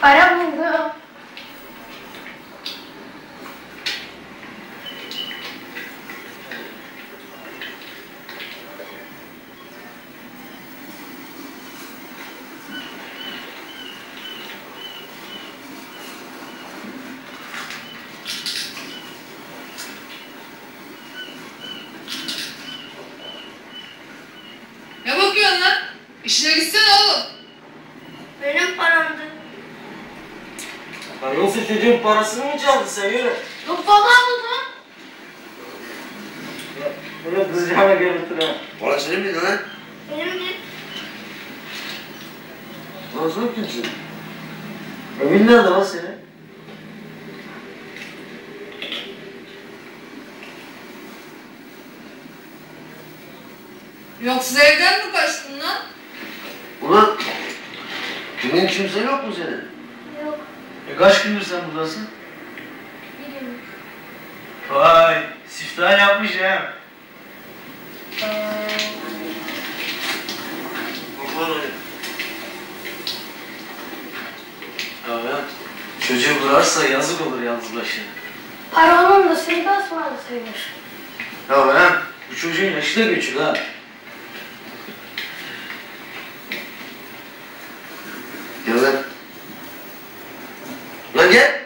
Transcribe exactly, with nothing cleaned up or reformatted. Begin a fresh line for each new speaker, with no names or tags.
Para buldum.
Ne bakıyorsun lan? İşine gitsene oğlum.
Benim paramdı.
Lan yoksa çocuğun parasını mı çaldın sen yürü?
Yok baba aldı.
Bunu kızacağına görüntün ha.
Para senin miydi lan?
Benimdi.
Lan sen kimsin? Evin nerede lan senin?
Yoksa evden mi kaçtın lan?
Ulan kimin kimse yok mu senin?
Yok.
E kaç gündür sen buradasın?
Bilmiyorum.
Vay, siftah yapmış ha.
Bakalım öyle.
Ya ya, çocuğu vurarsa yazık olur yalnız başına.
Para onun da seni de ısmarlı sayılır.
Ya ben, bu çocuğun yaşı da küçük ha.
Gel lan. Lan gel.